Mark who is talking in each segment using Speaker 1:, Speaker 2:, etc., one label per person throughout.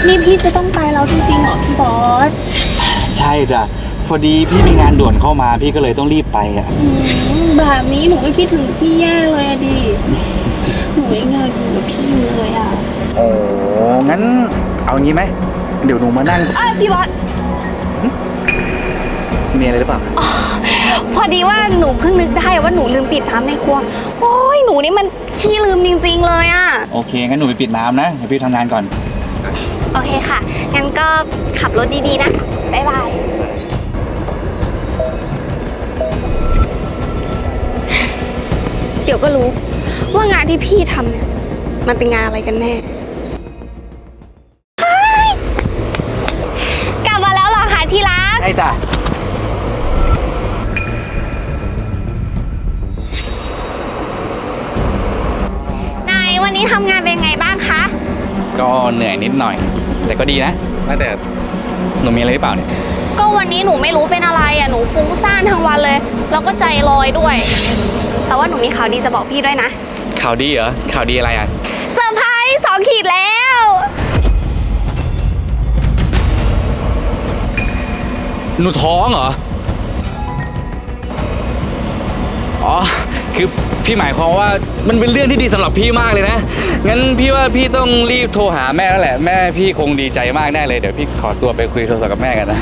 Speaker 1: นี่พี่จะต้องไปแล้วจริงๆเหรอพี่บอส
Speaker 2: ใช่จ้ะพอดีพี่มีงานด่วนเข้ามาพี่ก็เลยต้องรีบไปอ่ะ
Speaker 1: แบบนี้หนูก็คิดถึงพี่แย่เลยอะดิหนูยังอยากอยู่กับพี่อยู่เลยอะ
Speaker 2: โอ้งั้นเอางี้ไหมเดี๋ยวหนูมานั่ง
Speaker 1: พี่บอส
Speaker 2: มีอะไรหรือเปล่า
Speaker 1: พอดีว่าหนูเพิ่งนึกได้ว่าหนูลืมปิดน้ำในครัวโอ้ยหนูนี่มันขี้ลืมจริงๆเลยอะ
Speaker 2: โอเคงั้นหนูไปปิดน้ำนะเดี๋ยวพี่ทำงานก่อน
Speaker 1: โอเคค่ะงั้นก็ขับรถดีๆนะบ๊ายบายเดี๋ยวก็รู้ว่างานที่พี่ทำเนี่ยมันเป็นงานอะไรกันแน่กลับมาแล้วเหรอคะที่รัก
Speaker 2: ใช่จ้ะ
Speaker 1: นายวันนี้ทำงานเป็นไงบ้างคะ
Speaker 2: ก็เหนื่อยนิดหน่อย แต่ก็ดีนะแต่หนูมีอะไรหรือเปล่าเนี่ย
Speaker 1: ก็วันนี้หนูไม่รู้เป็นอะไรอ่ะหนูฟุ้งซ่านทั้งวันเลยแล้วก็ใจลอยด้วย แต่ว่าหนูมีข่าวดีจะบอกพี่ด้วยนะ
Speaker 2: ข่าวดีเหรอข่าวดีอะไรอ่ะ
Speaker 1: เซอร์ไพรส์2 ขีดแล้ว
Speaker 2: หนูท้องเหรออ๋อคือพี่หมายความว่ามันเป็นเรื่องที่ดีสำหรับพี่มากเลยนะงั้นพี่ว่าพี่ต้องรีบโทรหาแม่แล้วแหละแม่พี่คงดีใจมากแน่เลยเดี๋ยวพี่ขอตัวไปคุยโทรศัพท์กับแม่กันนะ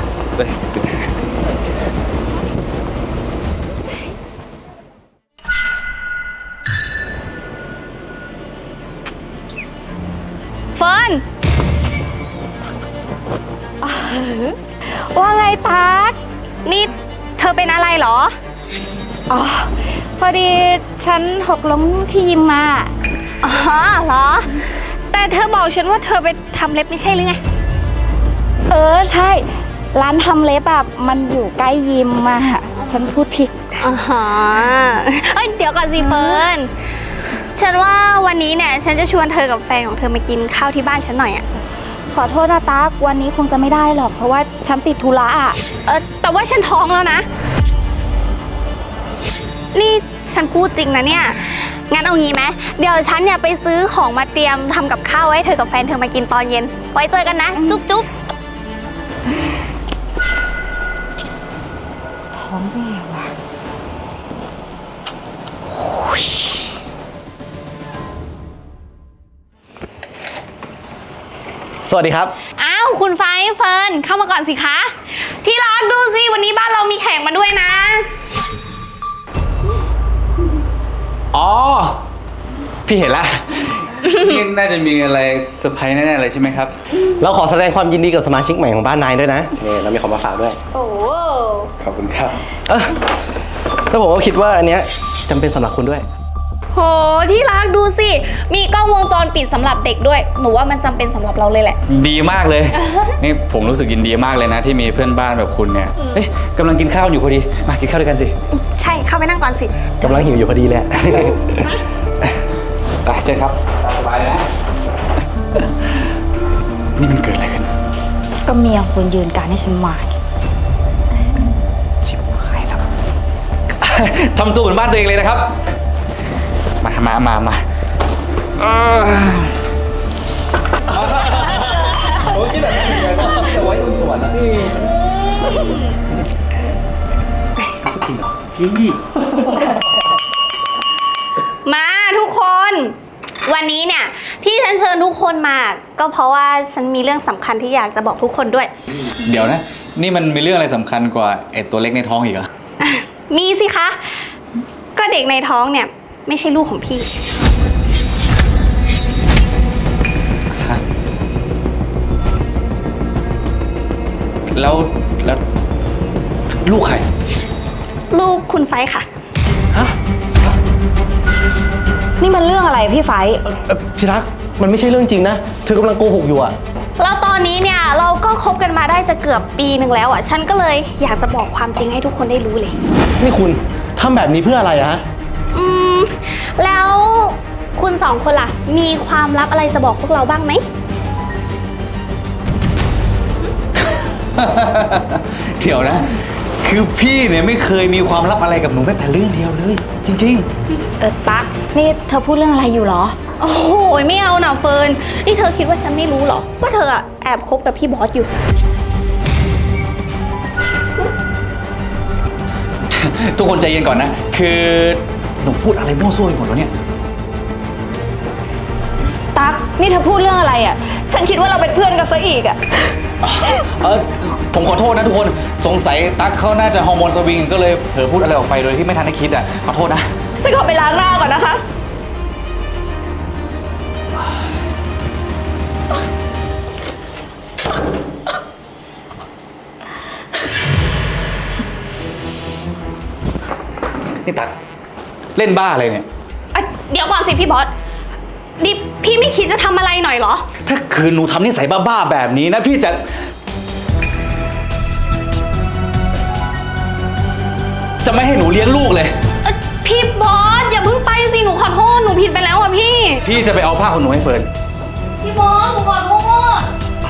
Speaker 1: เฟิร์นว่าไงตั๊กนี่เธอเป็นอะไรเหรอ
Speaker 3: อ๋อ พอดีฉันหกล้มที่ยิมมา
Speaker 1: อ๋อเหรอ แต่เธอบอกฉันว่าเธอไปทำเล็บไม่ใช่หรือไง
Speaker 3: ใช่ ร้านทำเล็บแบบมันอยู่ใกล้ยิมมาฉันพูดผิด
Speaker 1: อ๋อเอ้ยเดี๋ยวก่อนสิเฟิร์น ฉันว่าวันนี้เนี่ยฉันจะชวนเธอกับแฟนของเธอมากินข้าวที่บ้านฉันหน่อยอะ
Speaker 3: ขอโทษนะตั๊กวันนี้คงจะไม่ได้หรอก เพราะว่าฉันติดธุระอ่ะ
Speaker 1: แต่ว่าฉันท้องแล้วนะ นี่ฉันพูดจริงนะเนี่ย งั้นเอางี้ไหมเดี๋ยวฉันเนี่ยไปซื้อของมาเตรียมทำกับข้าวให้เธอกับแฟนเธอมากินตอนเย็น ไว้เจอกันนะ จุ๊บจุ๊บ
Speaker 3: ท้องได้ไงวะ
Speaker 4: สวัสดีครับ
Speaker 1: อ้าวคุณไฟเฟิร์นเข้ามาก่อนสิคะ ที่รักดูสิวันนี้บ้านเรามีแขกมาด้วยนะ
Speaker 2: อ๋อพี่เห็นละ นี่น่าจะมีอะไรเซอร์ไพรส์แน่ๆเลยใช่ไหมครับ
Speaker 4: เราขอแสดงความยินดีกับสมาชิกใหม่ของบ้านนายด้วยนะนี่เรามีของมาฝากด้วย
Speaker 2: ขอบคุณครับ
Speaker 4: แล้วผมก็คิดว่าอันเนี้ยจำเป็นสำหรับคุณด้วย
Speaker 1: โหที่รักดูสิ มีกล้องวงจรปิดสำหรับเด็กด้วย หนูว่ามันจำเป็นสำหรับเราเลยแหละ
Speaker 2: ดีมากเลย นี่ผมรู้สึกยินดีมากเลยนะ ที่มีเพื่อนบ้านแบบคุณเนี่ยเอ๊ะกำลังกินข้าวอยู่พอดีมากินข้าวด้วยกันสิ
Speaker 1: ใช่เข้าไปนั่งก่อนสิ
Speaker 4: กำลังหิวอยู่พอดีเลย
Speaker 2: ไปเชิญครับตามสบายเลยนะ นี่มันเกิดอะไรขึ้น
Speaker 3: ก็เมียคุณยืนการให้ฉันมา
Speaker 2: ชิบหายแล้ว ทำตัวเหมือนบ้านตัวเองเลยนะครับ มาโอ้ยที่แบบจะไว้บนสวนนะพี่จริงเหรอจริงดิ
Speaker 1: มาทุกคน วันนี้เนี่ยที่ฉันเชิญทุกคนมา ก็เพราะว่าฉันมีเรื่องสำคัญที่อยากจะบอกทุกคนด้วย
Speaker 2: เดี๋ยวนะ นี่มันมีเรื่องอะไรสำคัญกว่าไอ้ตัวเล็กในท้องอีกเหรอ
Speaker 1: มีสิคะ ก็เด็กในท้องเนี่ยไม่ใช่ลูกของพี่
Speaker 2: แล้วลูกใคร
Speaker 1: ลูกคุณไฟค่ะ
Speaker 3: นี่มันเรื่องอะไรพี่ไฟ
Speaker 4: ที่รักมันไม่ใช่เรื่องจริงนะ เธอกำลังโกหกอยู่อะ
Speaker 1: แล้วตอนนี้เนี่ยเราก็คบกันมาได้จะเกือบปีหนึ่งแล้วอ่ะ ฉันก็เลยอยากจะบอกความจริงให้ทุกคนได้รู้เลย
Speaker 4: นี่คุณทำแบบนี้เพื่ออะไรอะฮะ
Speaker 1: แล้วคุณสองคนล่ะ มีความลับอะไรจะบอกพวกเราบ้างไหม
Speaker 2: เดี๋ยวนะ คือพี่เนี่ยไม่เคยมีความลับอะไรกับหนูแม้แต่เรื่องเดียวเลย จริง
Speaker 3: ตั๊กนี่เธอพูดเรื่องอะไรอยู่เหรอ
Speaker 1: โอ้โหไม่เอานะเฟิร์นนี่เธอคิดว่าฉันไม่รู้เหรอว่าเธออะแอบคบกับพี่บอสอยู่
Speaker 2: ทุกคนใจเย็นก่อนนะ คือหนูพูดอะไรมั่วซั่วไปหมดแล้วเนี่ย
Speaker 3: ตั๊กนี่เธอพูดเรื่องอะไรอ่ะ ฉันคิดว่าเราเป็นเพื่อนกันซะอีกอ่ะ
Speaker 2: ผมขอโทษนะทุกคน สงสัยตั๊กเขาน่าจะฮอร์โมนสวิงก็เลยเผลอพูดอะไรออกไปโดยที่ไม่ทันได้คิดอ่ะ ขอโทษนะ
Speaker 3: ฉันขอไปล้างหน้าก่อนนะคะ
Speaker 2: นี่ตั๊กเล่นบ้าอะไรเนี่ย
Speaker 1: เดี๋ยวก่อนสิพี่บอสดิพี่ไม่คิดจะทำอะไรหน่อยเหรอ
Speaker 2: ถ้าคืนหนูทำนิสัยบ้าๆแบบนี้นะพี่จะไม่ให้หนูเลี้ยงลูกเลย
Speaker 1: พี่บอสอย่าเพิ่งไปสิหนูขอโทษหนูผิดไปแล้วอ่ะพี่
Speaker 2: พี่จะไปเอาผ้าขนหนูให้เฟิร์น
Speaker 1: พี่บอสหนูขอโทษ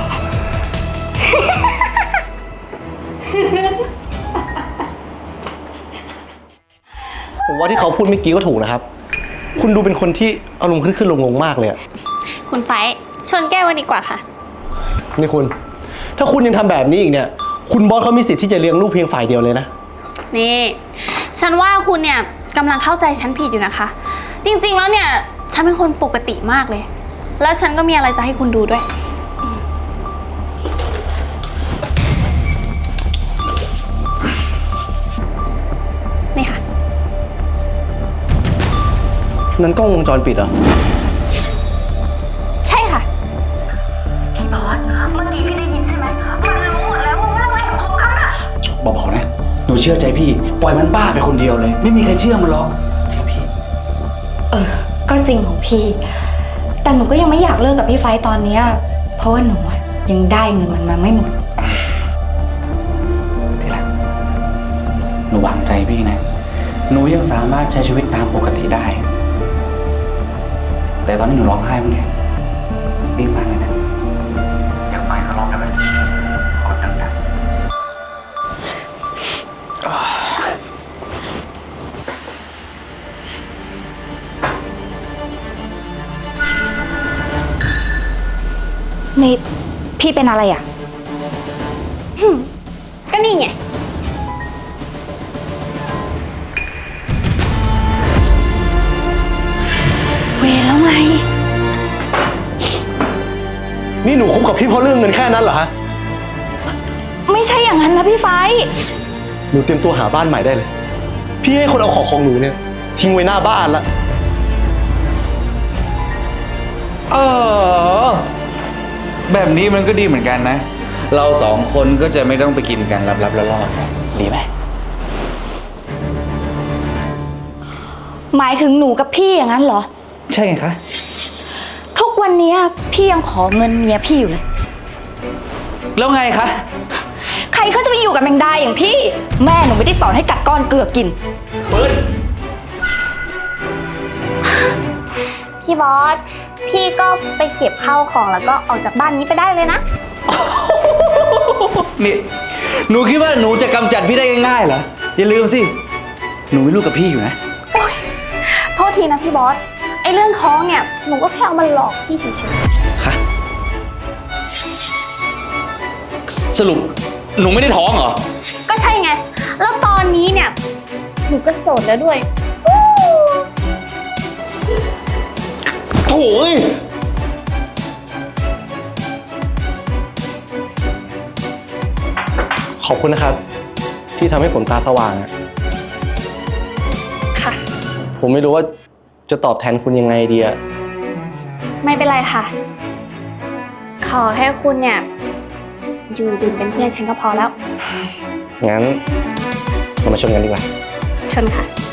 Speaker 4: ผมว่าที่เขาพูดเมื่อกี้ก็ถูกนะครับ คุณดูเป็นคนที่อารมณ์ขึ้นลงๆมากเลยอะ
Speaker 1: คุณไฟชนแก้วกันดีกว่าค่ะ
Speaker 4: นี่คุณ ถ้าคุณยังทำแบบนี้อีกเนี่ย คุณบอสเขามีสิทธิ์ที่จะเลี้ยงลูกเพียงฝ่ายเดียวเลยนะ
Speaker 1: นี่ ฉันว่าคุณเนี่ยกำลังเข้าใจฉันผิดอยู่นะคะ จริงๆแล้วเนี่ยฉันเป็นคนปกติมากเลย แล้วฉันก็มีอะไรจะให้คุณดูด้วย นี่ค่ะ
Speaker 4: นั้นกล้องวงจรปิดเหรอ
Speaker 1: ใช่ค่ะ
Speaker 3: พี่บอส เมื่อกี้พี่ได้ยินใช่ไหม มันรู้หมดแล้วว่าเราแอบคบกันอะ
Speaker 2: เบาๆนะ หนูเชื่อใจพี่ ปล่อยมันบ้าไปคนเดียวเลย ไม่มีใครเชื่อมันหรอกเชื่อพี่
Speaker 3: ก็จริงของพี่ แต่หนูก็ยังไม่อยากเลิกกับพี่ไฟตอนเนี้ยเพราะว่าหนูอะยังได้เงินมันมาไม่หมด
Speaker 2: ที่รักหนูวางใจพี่นะ หนูยังสามารถใช้ชีวิตตามปกติได้ แต่ตอนนี้หนูร้องไห้มั้งเนี่ยรีบมากเลยนะอยากไปก็ร้องได้ไหมกดดัง
Speaker 3: นี่พี่เป็นอะไรอ่ะ
Speaker 1: ก็นี่ไง
Speaker 3: เวรแล้วไง
Speaker 4: นี่หนูคบกับพี่เพราะเรื่องเงินแค่นั้นเหรอฮะ
Speaker 3: ไม่ใช่อย่างนั้นนะพี่ไฟ
Speaker 4: หนูเตรียมตัวหาบ้านใหม่ได้เลย พี่ให้คนเอาของหนูเนี่ยทิ้งไว้หน้าบ้านละ
Speaker 2: แบบนี้มันก็ดีเหมือนกันนะ เราสองคนก็จะไม่ต้องไปกินกันลับๆล่อๆกันดีไหม
Speaker 3: หมายถึงหนูกับพี่อย่างนั้นเหรอ
Speaker 2: ใช่ไงคะ
Speaker 3: ทุกวันเนี้ยพี่ยังขอเงินเมียพี่อยู่เลย
Speaker 2: แล้วไงคะ
Speaker 3: ใครเขาจะไปอยู่กับแมงดาอย่างพี่ แม่หนูไม่ได้สอนให้กัดก้อนเกลือกิน
Speaker 2: เฟิร์น
Speaker 1: พี่บอส พี่ก็ไปเก็บข้าวของแล้วก็ออกจากบ้านนี้ไปได้เลยนะ
Speaker 2: นี่ หนูคิดว่าหนูจะกำจัดพี่ได้ง่ายๆเหรอ อย่าลืมสิ หนูมีลูกกับพี่อยู่นะ
Speaker 1: โทษทีนะพี่บอส ไอ้เรื่องท้องเนี่ย หนูก็แค่เอามาหลอกพี่เฉย
Speaker 2: ฮะ สรุปหนูไม่ได้ท้องเหรอ
Speaker 1: ๆ ก็ใช่ไง แล้วตอนนี้เนี่ย หนูก็โสดแล้วด้วย
Speaker 4: โถ่ยขอบคุณนะครับ ที่ทำให้ผมตาสว่างอะ
Speaker 1: ค่ะ
Speaker 4: ผมไม่รู้ว่าจะตอบแทนคุณยังไงดีอะ
Speaker 1: ไม่เป็นไรค่ะ ขอแค่คุณเนี่ย อยู่ดื่มเป็นเพื่อนฉันก็พอแล้ว
Speaker 4: งั้นเรามาชนกันดีกว่า
Speaker 1: ชนค่ะ